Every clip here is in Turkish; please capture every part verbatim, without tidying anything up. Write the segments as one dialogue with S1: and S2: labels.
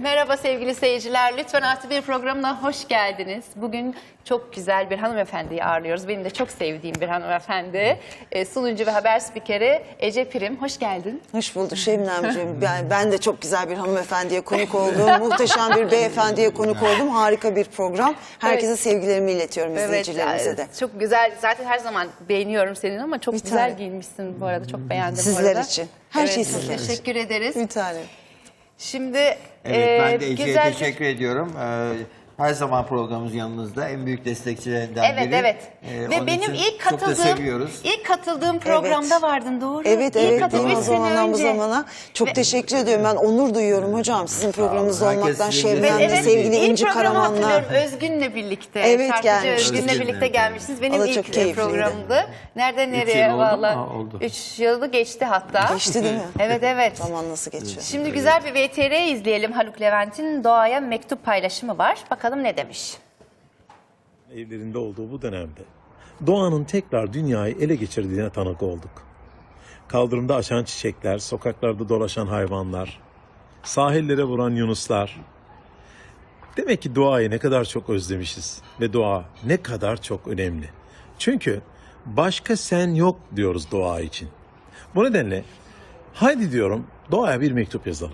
S1: Merhaba sevgili seyirciler. Lütfen Artı Bir programına hoş geldiniz. Bugün çok güzel bir hanımefendiyi ağırlıyoruz. Benim de çok sevdiğim bir hanımefendi. E, sunucu ve haber spikeri Ece Prim. Hoş geldin.
S2: Hoş bulduk Şebnemciğim. Ben, ben de çok güzel bir hanımefendiye konuk oldum. Muhteşem bir beyefendiye konuk oldum. Harika bir program. Herkese evet. sevgilerimi iletiyorum, evet, izleyicilerimize de.
S1: Çok güzel. Zaten her zaman beğeniyorum senin ama çok bir güzel
S2: tane.
S1: giyinmişsin bu arada. Çok beğendim
S2: Sizler
S1: bu arada.
S2: için. Her
S1: evet,
S2: şey sizler için.
S1: Teşekkür ederiz.
S2: Bir tane.
S1: Şimdi
S3: evet, ben
S1: e,
S3: de Ece'ye
S1: güzel...
S3: teşekkür ediyorum. Ee, her zaman programımız yanınızda. En büyük destekçilerinden
S1: evet,
S3: biri.
S1: Evet
S3: Ee,
S1: evet. Ve benim ilk katıldığım ilk katıldığım programda
S2: evet.
S1: vardın, doğru?
S2: Evet
S1: ilk
S2: evet. Değil o zamandan bu zamana. Çok
S1: Ve...
S2: teşekkür ediyorum. Ben onur duyuyorum hocam sizin programınızda
S3: Herkes
S2: olmaktan. Şebnem'le,
S1: evet,
S2: sevgili
S1: ilk
S2: İnci Karaman'la.
S1: Özgün'le birlikte.
S2: Evet,
S1: Şarkıcı
S2: gelmiş.
S1: Özgün'le
S3: Özgün'le
S1: birlikte gelmişsiniz. Benim
S2: Valla
S1: ilk
S2: çok keyifliydi.
S1: programdı. Nereden
S3: Üç
S1: nereye
S3: yıl oldu
S1: valla.
S3: mu? Oldu.
S1: Üç yılı geçti hatta.
S2: Geçti değil mi?
S1: Evet evet.
S2: Zaman nasıl geçiyor?
S1: Şimdi güzel bir V T R izleyelim. Haluk Levent'in Doğa'ya mektup paylaşımı var. Bakalım ne demiş?
S4: Evlerinde olduğu bu dönemde doğanın tekrar dünyayı ele geçirdiğine tanık olduk. Kaldırımda açan çiçekler, sokaklarda dolaşan hayvanlar, sahillere vuran yunuslar. Demek ki doğayı ne kadar çok özlemişiz ve doğa ne kadar çok önemli. Çünkü başka sen yok diyoruz doğa için. Bu nedenle haydi diyorum doğaya bir mektup yazalım.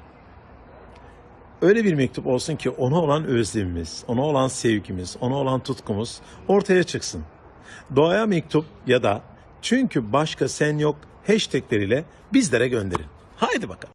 S4: Öyle bir mektup olsun ki ona olan özlemimiz, ona olan sevgimiz, ona olan tutkumuz ortaya çıksın. Doğaya mektup ya da çünkü başka sen yok hashtagleriyle bizlere gönderin. Haydi bakalım.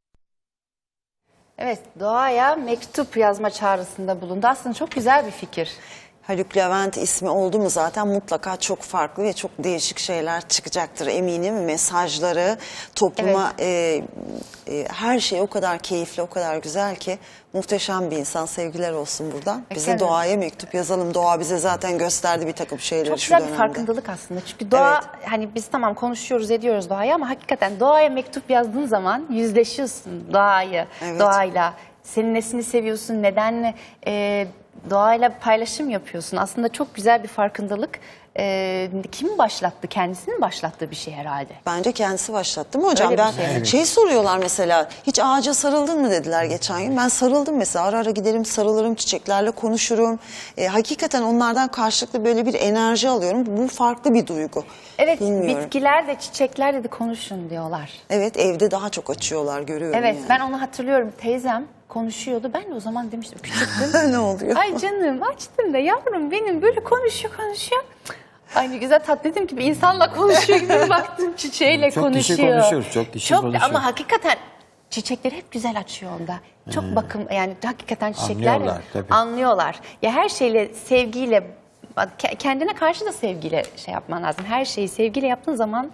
S1: Evet, Doğa'ya mektup yazma çağrısında bulundu. Aslında çok güzel bir fikir.
S2: Haluk Levent ismi oldu mu zaten mutlaka çok farklı ve çok değişik şeyler çıkacaktır eminim. Mesajları, topluma evet. e, e, her şey o kadar keyifli, o kadar güzel ki muhteşem bir insan. Sevgiler olsun buradan. Bize
S1: evet.
S2: doğaya mektup yazalım. Doğa bize zaten gösterdi bir takım şeyleri
S1: çok
S2: şu
S1: güzel
S2: dönemde.
S1: bir farkındalık aslında. Çünkü doğa evet. hani biz tamam konuşuyoruz ediyoruz doğayı ama hakikaten doğaya mektup yazdığın zaman yüzleşiyorsun doğayı, evet. doğayla. Senin nesini seviyorsun, neden e, doğayla paylaşım yapıyorsun. Aslında çok güzel bir farkındalık. Ee, kim başlattı? Kendisinin başlattığı bir şey herhalde.
S2: Bence kendisi başlattı mı hocam?
S1: Öyle
S2: Ben
S1: şey.
S2: Evet. şey soruyorlar mesela. Hiç ağaca sarıldın mı dediler geçen gün. Ben sarıldım mesela. Ara ara giderim, sarılırım, çiçeklerle konuşurum. Ee, hakikaten onlardan karşılıklı böyle bir enerji alıyorum. Bu farklı bir duygu.
S1: Evet,
S2: Bilmiyorum.
S1: bitkiler de çiçekler de konuşun diyorlar.
S2: Evet, evde daha çok açıyorlar görüyorum.
S1: Evet,
S2: yani.
S1: ben onu hatırlıyorum. Teyzem konuşuyordu. Ben de o zaman demiştim küçüktüm.
S2: Ne oluyor?
S1: Ay canım açtım da yavrum benim böyle konuşuyor konuşuyor. Ay ne güzel tatlı, dedim ki bir insanla konuşuyor gibi baktım çiçeğiyle
S3: çok
S1: konuşuyor.
S3: Çok kişi konuşuyor, çok kişi
S1: çok,
S3: konuşuyor.
S1: Ama hakikaten çiçekleri hep güzel açıyor onda. Çok hmm. bakım yani hakikaten çiçekler
S3: anlıyorlar, tabii.
S1: anlıyorlar. Ya her şeyle sevgiyle, kendine karşı da sevgiyle şey yapman lazım. Her şeyi sevgiyle yaptığın zaman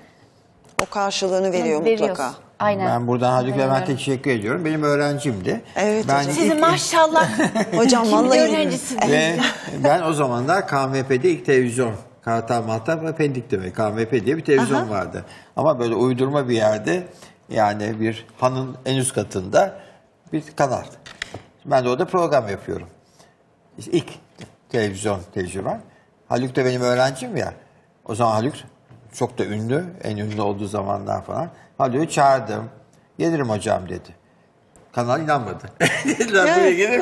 S2: o karşılığını veriyor mutlaka.
S1: Aynen.
S3: Ben buradan Haluk Levent'e teşekkür ediyorum. Benim öğrencimdi.
S2: Evet
S3: ben
S2: hocam.
S1: Sizin maşallah.
S2: Hocam vallahi
S1: öğrencisiniz.
S3: Ve ben o zamanlar K M P'de ilk televizyon, Kartal Mahtab ve Pendik demek. K M P diye bir televizyon Aha. vardı. Ama böyle uydurma bir yerde, yani bir hanın en üst katında bir kanal. Ben de orada program yapıyorum. İşte ilk televizyon tecrübem. Haluk da benim öğrencim ya. O zaman Haluk çok da ünlü, en ünlü olduğu zamanlar falan. Haluk'u çağırdım. Gelirim hocam dedi. Kanal inanmadı. Dediler buraya gelir mi?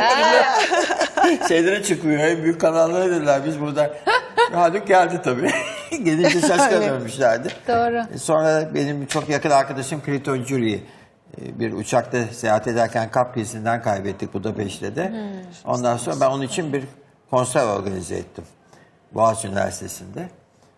S3: Şeylere çıkıyor, en büyük kanallara dediler. Biz burada... Haluk geldi tabii. Gelince şaşkın dönmüşlerdi.
S1: Doğru.
S3: Sonra benim çok yakın arkadaşım Kriton Jury bir uçakta seyahat ederken kalp krizinden kaybettik Budapeşte'de. Hmm. Ondan sonra ben onun için bir konser organize ettim. Boğaziçi Üniversitesi'nde.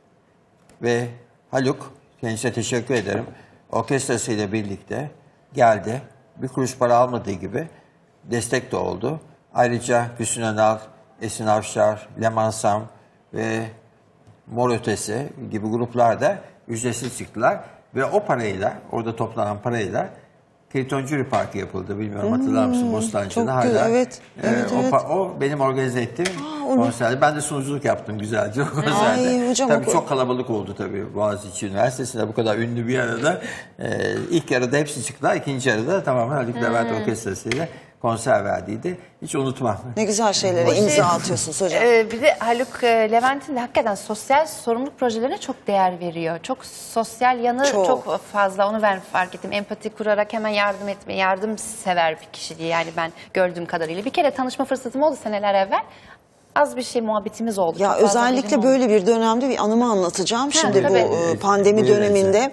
S3: Ve Haluk, kendisine teşekkür ederim, orkestrasıyla birlikte geldi. Bir kuruş para almadığı gibi destek de oldu. Ayrıca Hüsnü Önal, Esin Avşar, Leman Sam ve Mor Ötesi gibi gruplar da ücretsiz çıktılar. Ve o parayla, orada toplanan parayla Kriton Jury Parkı yapıldı. Bilmiyorum hmm, hatırlar mısın? Bostancı'da hala.
S2: Güzel, evet,
S3: Ee,
S2: evet,
S3: o,
S2: evet.
S3: o benim organize ettiğim Aa, konserde. Ben de sunuculuk yaptım güzelce o konserde.
S2: Ay, hocam,
S3: tabii
S2: o...
S3: çok kalabalık oldu tabii. Boğaziçi Üniversitesi'nde bu kadar ünlü bir arada. Ee, ilk yarıda hepsi çıktılar. İkinci yarıda tamamen Haluk Levent hmm. Orkestrası'yla konser verdiydi. Hiç unutmam.
S2: Ne güzel şeylere
S1: O şey-
S2: imza atıyorsunuz hocam.
S1: Ee, bir de Haluk e, Levent'in de hakikaten sosyal sorumluluk projelerine çok değer veriyor. Çok sosyal yanı
S2: Çok.
S1: çok, fazla. Onu ben fark ettim. Empati kurarak hemen yardım etme, yardım sever bir kişi diye yani ben gördüğüm kadarıyla. Bir kere tanışma fırsatım oldu seneler evvel. Az bir şey muhabbetimiz oldu.
S2: Ya
S1: Çok fazla
S2: özellikle
S1: birim oldu.
S2: böyle bir dönemde bir anımı anlatacağım. Şimdi bu
S1: tabii.
S2: e, pandemi
S3: Buyurun
S2: döneminde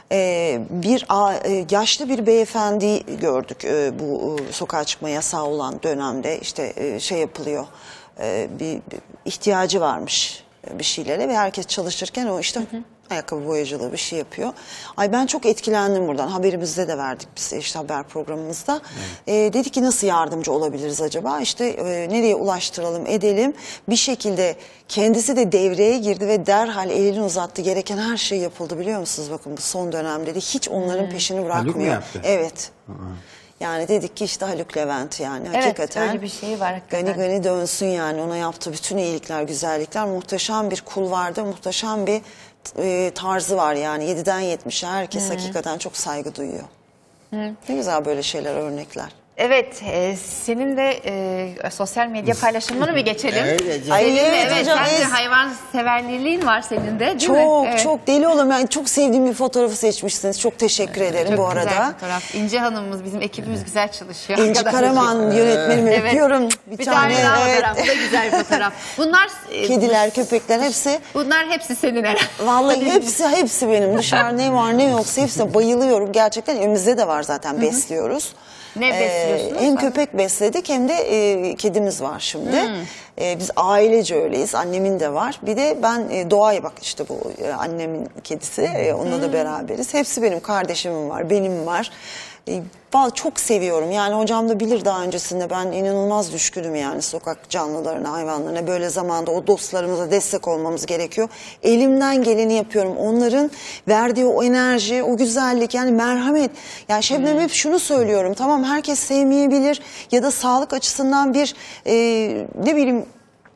S2: e, bir a- e, yaşlı bir beyefendi gördük. E, bu e, sokağa çıkma yasağı olan dönemde işte e, şey yapılıyor. E, bir, bir ihtiyacı varmış e, bir şeylere ve herkes çalışırken o işte ayakkabı boyacılığı bir şey yapıyor. Ay ben çok etkilendim buradan. Haberimizde de verdik biz işte haber programımızda. E, dedik ki nasıl yardımcı olabiliriz acaba? İşte e, nereye ulaştıralım edelim. Bir şekilde kendisi de devreye girdi ve derhal elini uzattı. Gereken her şey yapıldı biliyor musunuz? Bakın bu son dönemde de hiç onların peşini bırakmıyor.
S3: yaptı?
S2: Evet. Yani dedik ki işte Haluk Levent yani
S1: Evet,
S2: hakikaten.
S1: öyle bir şey var hakikaten.
S2: Gani gani dönsün yani ona yaptığı bütün iyilikler, güzellikler. Muhteşem bir kul vardı, muhteşem bir e, tarzı var yani. yediden yetmişe herkes hakikaten çok saygı duyuyor. Ne güzel böyle şeyler, örnekler.
S1: Evet, e, senin de e, sosyal medya paylaşımlarını mı geçelim?
S3: Evet, evet.
S2: Ay,
S1: Senin de,
S2: evet
S1: evet,
S2: hocam,
S1: sen de
S2: es-
S1: hayvan severliğin var senin de değil mi?
S2: Çok
S1: Evet.
S2: çok deli olurum. Yani çok sevdiğim bir fotoğrafı seçmişsiniz. Çok teşekkür ederim
S1: Çok
S2: bu
S1: güzel
S2: arada.
S1: fotoğraf. İnce Hanım'ımız, bizim ekibimiz güzel çalışıyor.
S2: İnci
S1: Arkadaşlar.
S2: Karaman yönetmenimi
S1: Evet.
S2: öpüyorum.
S1: Bir, tane, daha
S2: evet.
S1: fotoğraf. Bu da güzel bir fotoğraf. Bunlar e,
S2: Kediler, köpekler hepsi.
S1: bunlar hepsi senin herhalde.
S2: Vallahi hepsi hepsi benim. Dışarı ne var ne yoksa hepsine bayılıyorum. Gerçekten evimizde de var zaten, besliyoruz.
S1: Ne besliyorsunuz?
S2: Hem köpek besledik hem de e, kedimiz var şimdi. E, biz ailece öyleyiz. Annemin de var. Bir de ben e, Doğa'ya bak işte bu e, annemin kedisi. E, onunla da beraberiz. Hepsi benim. Kardeşimin var, benim var. E, vallahi çok seviyorum. Yani hocam da bilir daha öncesinde ben inanılmaz düşkünüm yani sokak canlılarına, hayvanlarına. Böyle zamanda o dostlarımıza destek olmamız gerekiyor. Elimden geleni yapıyorum. Onların verdiği o enerji, o güzellik yani merhamet. Yani Şebnem hep şunu söylüyorum. Tamam herkes sevmeyebilir ya da sağlık açısından bir e, ne bileyim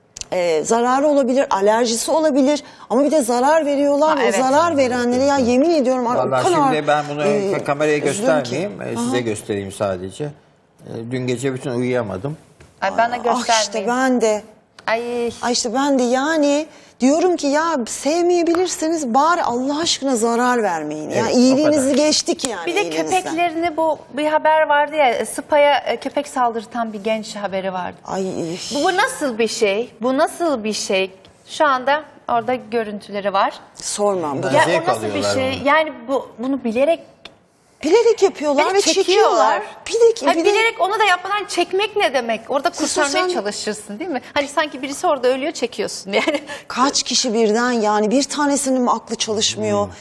S2: e, zararı olabilir, alerjisi olabilir ama bir de zarar veriyorlar.
S1: Ha,
S2: o
S1: evet.
S2: zarar verenlere ya yemin ediyorum o
S3: Vallahi
S2: kadar
S3: şimdi ben bunu
S2: e,
S3: kameraya
S2: üzülüyorum ki.
S3: göstermeyeyim. e, Size göstereyim sadece. E, Dün gece bütün uyuyamadım.
S1: Ay bana
S2: Ah
S1: göstermeyin.
S2: işte ben de.
S1: Ay.
S2: Ay işte ben de yani diyorum ki ya sevmeyebilirseniz bari Allah aşkına zarar vermeyin.
S3: Evet,
S2: ya
S3: o
S2: iyiliğinizi
S3: kadar.
S2: geçtik yani.
S1: Bir de
S2: iyiliğinizden.
S1: köpeklerini bu bir haber vardı ya Spa'ya e, köpek saldırtan bir genç haberi vardı.
S2: Ay
S1: Bu, bu nasıl bir şey? Bu nasıl bir şey? Şu anda orada görüntüleri var.
S2: sormam. Bu
S3: Ya-
S2: da-
S1: Ya
S3: Zevk
S1: o nasıl bir
S3: alıyorlar
S1: şey?
S3: onu.
S1: Yani bu bunu bilerek
S2: bilerek yapıyorlar
S1: Beni
S2: ve çekiyorlar. Bilerek,
S1: Hayır,
S2: bilerek-
S1: bilerek onu da yapmadan çekmek ne demek? Orada kurtarmaya
S2: sosyal-
S1: çalışırsın değil mi? Hani sanki birisi orada ölüyor çekiyorsun yani.
S2: Kaç kişi birden yani bir tanesinin mi aklı çalışmıyor?
S3: Hmm.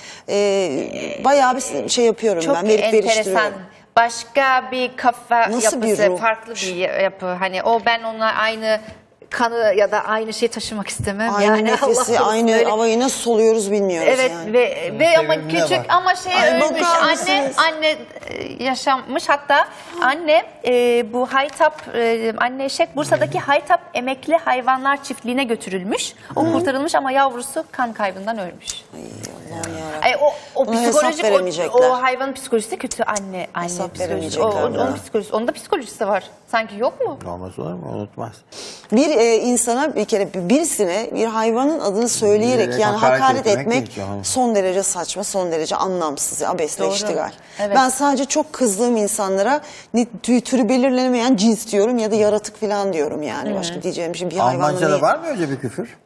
S2: Ee, bayağı bir şey yapıyorum
S1: Çok
S2: ben. Verip
S1: enteresan.
S2: veriştiriyorum.
S1: Başka bir kafa
S2: Nasıl bir
S1: yapısı,
S2: ruh?
S1: farklı bir yapı. Hani o ben onunla aynı kanı ya da aynı şeyi taşımak istemem.
S2: Aynı
S1: yani
S2: nefesi,
S1: Allah korusun,
S2: aynı
S1: öyle-
S2: havayı nasıl soluyoruz bilmiyoruz
S1: Evet
S2: yani.
S1: ve ve ama
S3: sevimli
S1: küçük
S3: bak.
S1: ama şey
S2: Ay,
S1: ölmüş
S2: bakar
S1: anne
S2: mısınız?
S1: anne e, yaşanmış hatta anne e, bu Haytap e, anne eşek Bursa'daki Haytap Emekli Hayvanlar Çiftliği'ne götürülmüş. O kurtarılmış ama yavrusu kan kaybından ölmüş.
S2: Ay Allah'ım yarabbim.
S1: Ay, o o
S2: Ona hesap
S1: psikolojik o,
S2: veremeyecekler.
S1: o hayvanın psikolojisi de kötü anne anne
S2: Hesap
S1: psikolojisi. O, o-
S2: veremeyecekler
S1: onun
S2: ya.
S1: psikolojisi onun da psikolojisi var. Sanki yok mu?
S3: Olmaz olur mu? Unutmaz.
S2: Bir e, insana bir kere birisine bir hayvanın adını söyleyerek
S3: Bilerek
S2: yani
S3: hakaret
S2: hakaret,
S3: etmek
S2: etmek,
S3: değil canım.
S2: son derece saçma, son derece anlamsız. Abesle
S1: Doğru.
S2: iştigal.
S1: Evet.
S2: Ben sadece çok kızdığım insanlara ne, tü- türü belirlenemeyen cins diyorum ya da yaratık falan diyorum yani. Başka diyeceğim bir şey bir hayvanla
S3: Almanca'da
S2: değil.
S3: var mı öyle bir küfür?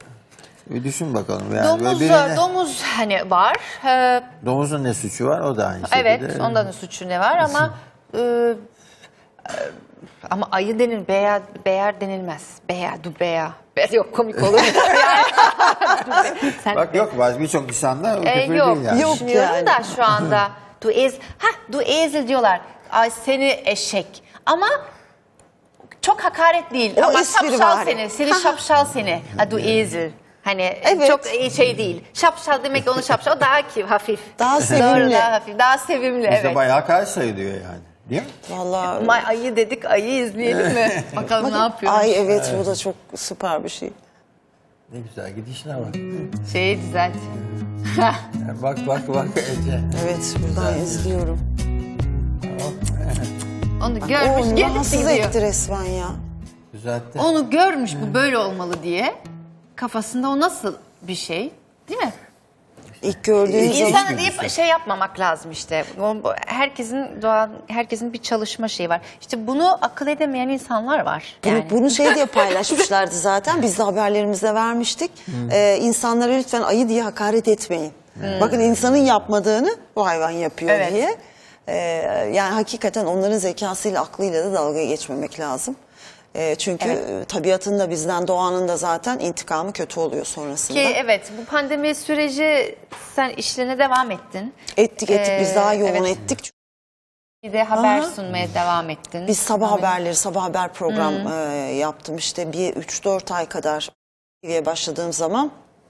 S3: Bir düşün bakalım. Yani
S1: Domuz
S3: böyle birine-
S1: domuz hani var. Ee,
S3: domuzun ne suçu var? O da aynı şekilde.
S1: Evet, ondan da suçu ne var ama e, e, ama ayı denir, beya, beyer denilmez. Beya, du beya. Be- Yok komik olur. Sen,
S3: Bak yok bazı birçok insanda o
S1: E,
S3: küfür
S1: yok,
S3: değil yani.
S2: Yok.
S1: düşünüyorum
S2: yani.
S1: da şu anda. Du ez, ha, du ezel diyorlar. Ay seni eşek. Ama çok hakaret değil.
S2: O
S1: ama
S2: espri
S1: şapşal
S2: var.
S1: seni, seni şapşal seni. Ha, du ezel. Hani
S2: Evet.
S1: çok şey değil. Şapşal demek onu şapşal. O daha ki hafif.
S2: Daha
S1: Doğru,
S2: sevimli.
S1: daha hafif. Daha sevimli
S3: Bizde
S1: evet.
S3: bayağı hakaret sayılıyor yani. Değil mi?
S2: Vallahi.
S1: May ayı dedik, ayı izleyelim mi? Bakalım ne yapıyor.
S2: Ay evet, bu da çok süper bir şey.
S3: Ne güzel gidişine bak.
S1: Şeyi düzelt.
S3: Bak bak bak Ece.
S2: Evet buradan izliyorum.
S1: Onu görmüş,
S2: O
S1: gelip
S2: rahatsız
S1: gidiyor.
S2: etti resmen ya.
S3: Düzeltti.
S1: Onu görmüş, bu böyle olmalı diye. Kafasında o nasıl bir şey, değil mi?
S2: İlk gördüğün zaman
S1: İnsana deyip şey yapmamak lazım işte. O- bu- Herkesin doğan, herkesin bir çalışma şeyi var. İşte bunu akıl edemeyen insanlar var.
S2: Bunu,
S1: Yani.
S2: bunu şey diye paylaşmışlardı zaten. Biz de haberlerimizde vermiştik. Ee, insanlara lütfen ayı diye hakaret etmeyin. Bakın insanın yapmadığını bu hayvan yapıyor
S1: Evet.
S2: diye. Ee, yani hakikaten onların zekasıyla, aklıyla da dalga geçmemek lazım. Ee, çünkü
S1: Evet.
S2: tabiatın da bizden, doğanın da zaten intikamı kötü oluyor sonrasında.
S1: Ki evet, bu pandemi süreci sen işlerine devam ettin.
S2: Ettik ettik biz daha yoğun
S1: evet.
S2: ettik.
S1: Bir de haber
S2: Aha.
S1: sunmaya devam ettin.
S2: Biz sabah
S1: Devam
S2: haberleri, sabah haber program e, yaptım. İşte bir üç dört ay kadar T V'ye başladığım zaman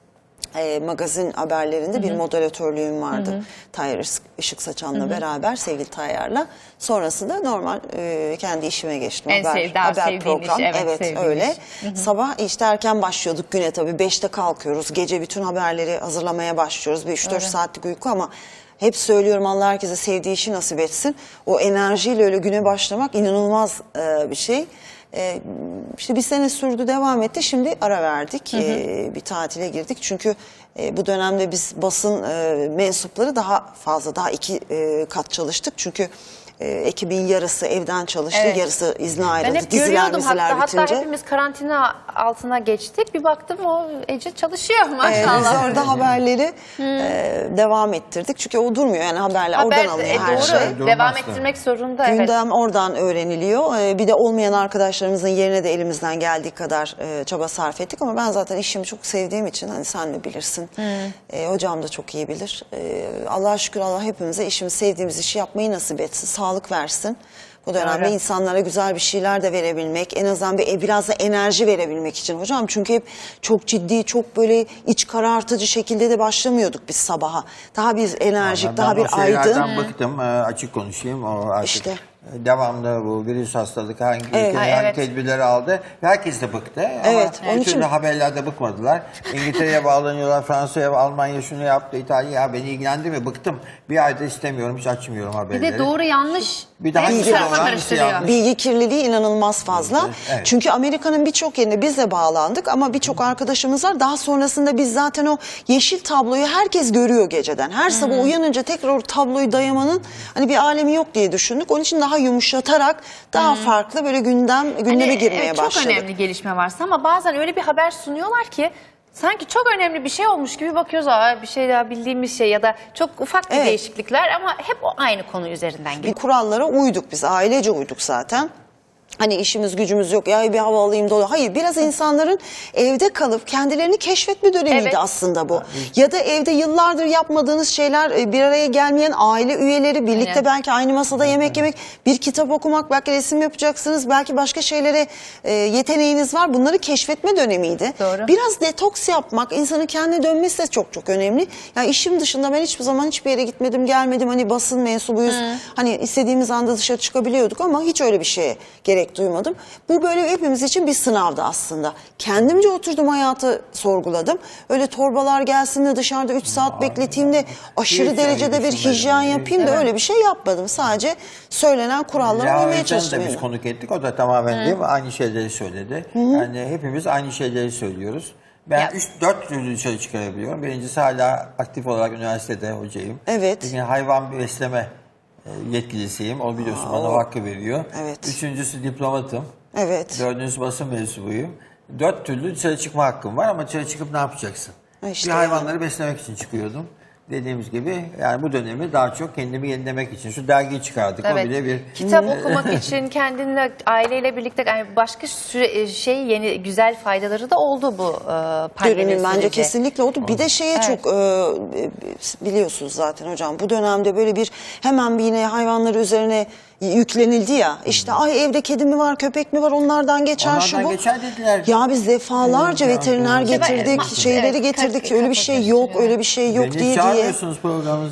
S2: e, magazin haberlerinde bir moderatörlüğüm vardı. Tayyar Işık Saçan'la beraber, sevgili Tayyar'la. Sonrasında normal e, kendi işime geçtim.
S1: En
S2: haber,
S1: sev- daha
S2: haber
S1: sevdiğin
S2: program.
S1: iş, evet,
S2: evet
S1: sevdiğin
S2: öyle.
S1: iş.
S2: Sabah işte erken başlıyorduk güne tabii. beşte kalkıyoruz. Gece bütün haberleri hazırlamaya başlıyoruz. Bir üç dört saatlik uyku ama hep söylüyorum, Allah herkese sevdiği işi nasip etsin. O enerjiyle öyle güne başlamak inanılmaz e, bir şey. E, işte bir sene sürdü, devam etti. Şimdi ara verdik. E, bir tatile girdik. Çünkü e, bu dönemde biz basın e, mensupları daha fazla, daha iki e, kat çalıştık. Çünkü e, ekibin yarısı evden çalıştı,
S1: Evet.
S2: yarısı izne
S1: Ben
S2: ayrıldı.
S1: hep
S2: Diziler,
S1: görüyordum
S2: diziler
S1: hatta,
S2: bitince.
S1: hatta hepimiz karantina altına geçtik. Bir baktım o Ece çalışıyor
S2: Ee,
S1: maşallah.
S2: biz orada haberleri e, devam ettirdik. Çünkü o durmuyor yani, haberler
S1: Haber,
S2: oradan alıyor
S1: e,
S2: her
S1: doğru,
S2: şey.
S3: Durmaz
S1: devam
S3: da.
S1: ettirmek zorunda. Evet.
S2: Gündem oradan öğreniliyor. Ee, bir de olmayan arkadaşlarımızın yerine de elimizden geldiği kadar e, çaba sarf ettik. Ama ben zaten işimi çok sevdiğim için, hani sen de bilirsin. E, hocam da çok iyi bilir. E, Allah'a şükür, Allah hepimize işimiz, sevdiğimiz işi yapmayı nasip etsin. Sağlık versin. Bu dönemde
S1: Doğru.
S2: insanlara güzel bir şeyler de verebilmek, en azından bir, biraz da enerji verebilmek için hocam. Çünkü hep çok ciddi, çok böyle iç karartıcı şekilde de başlamıyorduk biz sabaha. Daha bir enerjik,
S3: Ben
S2: daha
S3: o
S2: bir
S3: şeylerden
S2: aydın.
S3: bıktım. Ee, açık konuşayım. O artık
S2: İşte.
S3: devamlı bu virüs hastalık hangi
S2: Evet.
S3: ülke
S1: Ha,
S3: hangi
S1: evet.
S3: tedbirleri aldı. Herkes de bıktı.
S2: Evet,
S3: Ama
S2: onun
S3: bir türlü
S2: için-
S3: haberlerde bıkmadılar. İngiltere'ye bağlanıyorlar, Fransa'ya, Almanya şunu yaptı, İtalya. Ya beni ilgilendirmiyor. Bıktım. Bir ayda istemiyorum, hiç açmıyorum
S1: Bir
S3: haberleri.
S1: de doğru yanlış.
S3: Bir de
S1: hepsi
S3: hangisi
S1: kafa
S3: doğru, hangisi
S1: karıştırıyor.
S3: yanlış?
S2: Bilgi kirliliği inanılmaz fazla.
S3: Evet.
S2: Çünkü Amerika'nın birçok yerine biz de bağlandık ama birçok arkadaşımız var. Daha sonrasında biz zaten o yeşil tabloyu herkes görüyor geceden. Her sabah uyanınca tekrar o tabloyu dayamanın hani bir alemi yok diye düşündük. Onun için daha yumuşatarak, daha farklı böyle gündem gündeme
S1: Hani,
S2: girmeye
S1: evet, çok
S2: başladık.
S1: önemli gelişme varsa ama bazen öyle bir haber sunuyorlar ki sanki çok önemli bir şey olmuş gibi bakıyoruz. Aa, bir şey daha bildiğimiz şey ya da çok ufak bir
S2: Evet.
S1: değişiklikler ama hep o aynı konu üzerinden
S2: Bir
S1: geliyor.
S2: kurallara uyduk biz, ailece uyduk zaten. Hani işimiz gücümüz yok, ya bir hava alayım dolu. Hayır, biraz insanların evde kalıp kendilerini keşfetme dönemiydi
S1: Evet.
S2: aslında bu. Ya da evde yıllardır yapmadığınız şeyler, e, bir araya gelmeyen aile üyeleri birlikte
S1: Aynen.
S2: belki aynı masada yemek yemek, bir kitap okumak, belki resim yapacaksınız, belki başka şeylere e, yeteneğiniz var. Bunları keşfetme dönemiydi.
S1: Doğru.
S2: Biraz detoks yapmak, insanın kendine dönmesi de çok çok önemli. Ya işim dışında ben hiçbir zaman hiçbir yere gitmedim, gelmedim. Hani basın mensubuyuz. Hani istediğimiz anda dışarı çıkabiliyorduk ama hiç öyle bir şeye gerek duymadım. Bu böyle hepimiz için bir sınavdı aslında. Kendimce oturdum, hayatı sorguladım. Öyle torbalar gelsin de dışarıda üç saat bekleteyim de aşırı
S3: Hiç
S2: derecede
S3: öyle
S2: bir
S3: düşünmedim.
S2: hijyen yapayım da öyle bir şey yapmadım. Sadece söylenen kurallara
S3: Leo
S2: uymaya
S3: Özcan'ı
S2: çalıştım.
S3: da biz
S2: yani.
S3: konuk ettik. O da tamamen değil mi? Aynı şeyleri söyledi. Yani hepimiz aynı şeyleri söylüyoruz. Ben
S1: Ya-
S3: üç dört türlü dışarı çıkarabiliyorum. Birincisi, hala aktif olarak üniversitede hocayım.
S2: Evet.
S3: Yani hayvan besleme e, yetkilisiyim. O biliyorsun bana o hakkı veriyor.
S2: Evet.
S3: Üçüncüsü diplomatım.
S2: Evet.
S3: Dördüncüsü basın mensubuyum. Dört türlü dışarı çıkma hakkım var ama dışarı çıkıp ne yapacaksın?
S2: Ha işte
S3: bir hayvanları beslemek için çıkıyordum. Dediğimiz gibi yani bu dönemi daha çok kendimi yenilemek için. Şu dergiyi çıkardık. O bile bir...
S1: Kitap okumak için kendinle, aileyle birlikte yani başka süre, şey yeni güzel faydaları da oldu bu e, pandemi
S2: Dönemin bence
S1: süreci.
S2: kesinlikle oldu. Bir de şeye
S1: Evet.
S2: çok e, biliyorsunuz zaten hocam, bu dönemde böyle bir hemen bir yine hayvanları üzerine yüklenildi ya. İşte ay evde kedi mi var, köpek mi var, onlardan geçer şu
S3: Onlardan
S2: bu.
S3: geçer dediler.
S2: Ya biz defalarca
S3: Evet,
S2: veteriner
S3: evet.
S2: getirdik,
S1: Evet,
S2: şeyleri
S1: evet,
S2: getirdik.
S1: kaç-
S2: Öyle bir şey yok, öyle bir şey yok
S3: Beni
S2: diye diye.
S3: çağırmıyorsunuz programınıza.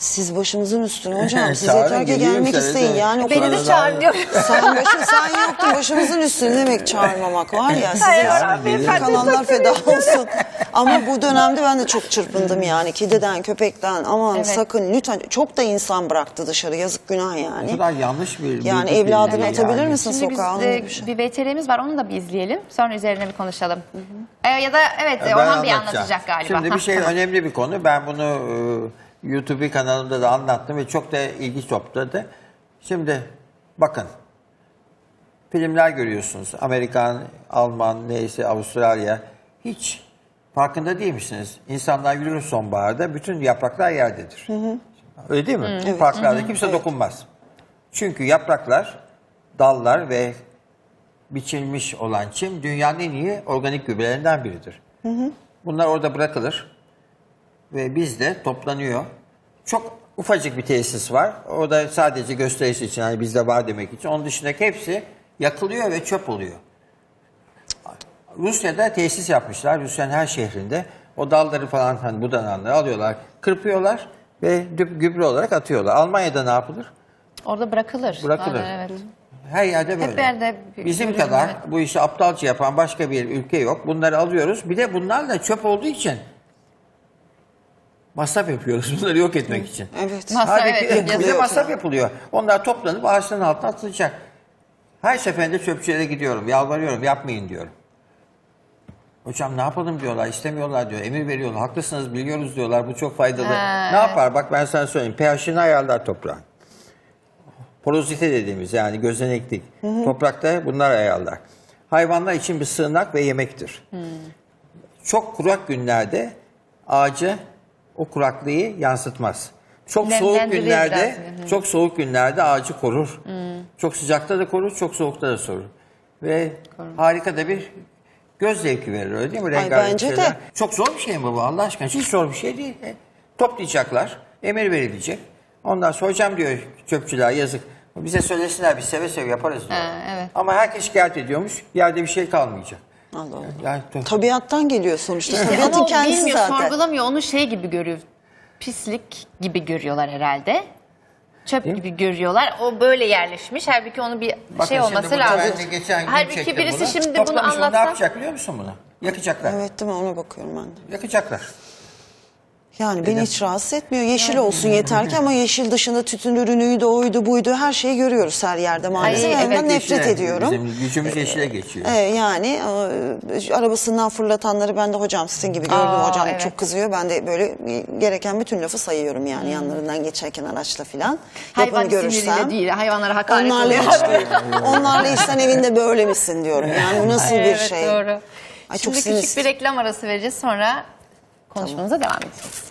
S2: Siz başımızın üstüne hocam. Siz
S3: Çağırın,
S2: yeter ki
S3: geleyim
S2: gelmek
S3: seve
S2: isteyin.
S3: seve.
S2: Yani o
S1: Beni
S2: kadar-
S1: de çağırmıyor.
S2: Sen başın sen yoktun başımızın üstüne demek çağırmamak var ya.
S1: Hayır,
S2: Size
S1: Orhan Beyefendi,
S2: kalanlar
S1: çok
S2: feda olsun. Ama bu dönemde ben de çok çırpındım yani. Kediden, köpekten aman
S1: Evet.
S2: sakın lütfen. Çok da insan bıraktı dışarı. Yazık günah
S3: Ne
S2: yani.
S3: kadar yanlış bir
S2: Yani
S3: bilgi
S2: evladını
S3: kirliliği
S2: atabilir
S3: yani.
S2: misin
S1: Şimdi biz
S2: sokağa? Onun
S1: e,
S2: gibi bir şey.
S1: bir V T R'miz var, onu da bir izleyelim. Sonra üzerine bir konuşalım. E, ya da evet
S3: Ben
S1: Orhan Bey
S3: anlatacağım.
S1: anlatacak galiba.
S3: Şimdi
S1: Ha,
S3: bir şey
S1: tamam.
S3: önemli bir konu. Ben bunu e, YouTube kanalımda da anlattım ve çok da ilgi topladı. Şimdi bakın. Filmler görüyorsunuz. Amerikan, Alman, neyse Avustralya. Hiç farkında değil misiniz? İnsanlar yürür sonbaharda, bütün yapraklar yerdedir. Öyle değil mi? Parklarda kimse dokunmaz. Çünkü yapraklar, dallar ve biçilmiş olan çim dünyanın en iyi organik gübrelerinden biridir. Bunlar orada bırakılır ve bizde toplanıyor. Çok ufacık bir tesis var. O da sadece gösterisi için, hani bizde var demek için. Onun dışındaki hepsi yakılıyor ve çöp oluyor. Rusya'da tesis yapmışlar. Rusya'nın her şehrinde. O dalları falan, hani budananları alıyorlar, kırpıyorlar ve gübre olarak atıyorlar. Almanya'da ne yapılır?
S1: Orada bırakılır.
S3: Bırakılır.
S1: Aynen, evet.
S3: Her yerde böyle.
S1: Hep yerde
S3: Bizim
S1: görüyorum,
S3: kadar
S1: evet.
S3: bu işi aptalca yapan başka bir ülke yok. Bunları alıyoruz. Bir de bunlar da çöp olduğu için masraf yapıyoruz bunları yok etmek için.
S2: Evet.
S1: Masraf,
S3: Halbuki
S1: evet,
S3: bize
S1: yazıyor.
S3: masraf yapılıyor. Onlar toplanıp ağaçların altına atılacak. Her seferinde çöpçülere gidiyorum, yalvarıyorum, yapmayın diyorum. Hocam ne yapalım diyorlar, istemiyorlar diyor, emir veriyorlar. Haklısınız, biliyoruz diyorlar, bu çok faydalı.
S1: Ha,
S3: ne yapar? Bak ben sana söyleyeyim, pH'ini ayarlar toprağın. Porozite dediğimiz, yani gözeneklik. Toprakta bunlar ayarlar. Hayvanlar için bir sığınak ve yemektir. Çok kurak günlerde ağacı o kuraklığı yansıtmaz. Çok soğuk
S1: Nemlendirir
S3: günlerde,
S1: biraz. Hı.
S3: çok soğuk günlerde ağacı korur. Çok sıcakta da korur, çok soğukta da korur. Ve harika da bir göz zevki verir, öyle değil mi?
S2: Ay,
S3: Rengarenk
S2: bence de.
S3: şeyler. Çok zor bir şey mi bu Allah aşkına? Hiç zor bir şey değil. E, toplayacaklar, emir verilecek. Ondan sonra hocam diyor çöpçüler, yazık. Bize söylesinler, biz seve seve yaparız diyor.
S1: Ha, evet.
S3: Ama herkes şikayet ediyormuş, yerde bir şey kalmayacak.
S2: Allah Allah.
S3: Yani,
S2: Tabiattan geliyor sonuçta.
S1: İşte ama
S2: Tabiatın
S1: o
S2: kendisi
S1: bilmiyor,
S2: zaten.
S1: sorgulamıyor. Onu şey gibi görüyor. Pislik gibi görüyorlar herhalde. Çöp
S3: Değil mi?
S1: gibi görüyorlar. O böyle yerleşmiş. Halbuki onu bir
S3: Bakın
S1: şey
S3: şimdi
S1: olması
S3: burada
S1: lazım.
S3: ben de geçen gün
S1: Halbuki
S3: çektim
S1: birisi
S3: bunu.
S1: şimdi bunu
S3: Toplamış, bunu ne
S1: anlatsa.
S3: yapacak biliyor musun bunu? Yakacaklar.
S2: Evet değil mi? Ona bakıyorum ben de.
S3: Yakacaklar.
S2: Yani beni hiç rahatsız etmiyor. Yeşil olsun yeter ki, ama yeşil dışında tütün ürünüydü, oydu, buydu, her şeyi görüyoruz her yerde maalesef.
S1: Ay,
S2: Ben
S1: evet,
S2: ondan nefret
S3: Yeşile,
S2: ediyorum.
S3: Bizim gücümüz yeşile geçiyor.
S2: Ee, yani e, arabasından fırlatanları ben de hocam sizin gibi gördüm.
S1: Aa,
S2: Hocam
S1: evet.
S2: çok kızıyor. Ben de böyle gereken bütün lafı sayıyorum yani yanlarından geçerken araçla filan.
S1: Hayvan
S2: Yapanı görürsem.
S1: siniriyle değil. Hayvanlara hakaret
S2: Onlarla
S1: oluyor.
S2: hiç, onlarla hiç sen evinde böyle misin diyorum. Yani bu nasıl bir
S1: Evet,
S2: şey?
S1: doğru.
S2: Ay, çok
S1: Şimdi
S2: sinir-
S1: küçük bir reklam arası vereceğiz, sonra konuşmamıza devam edeceğiz.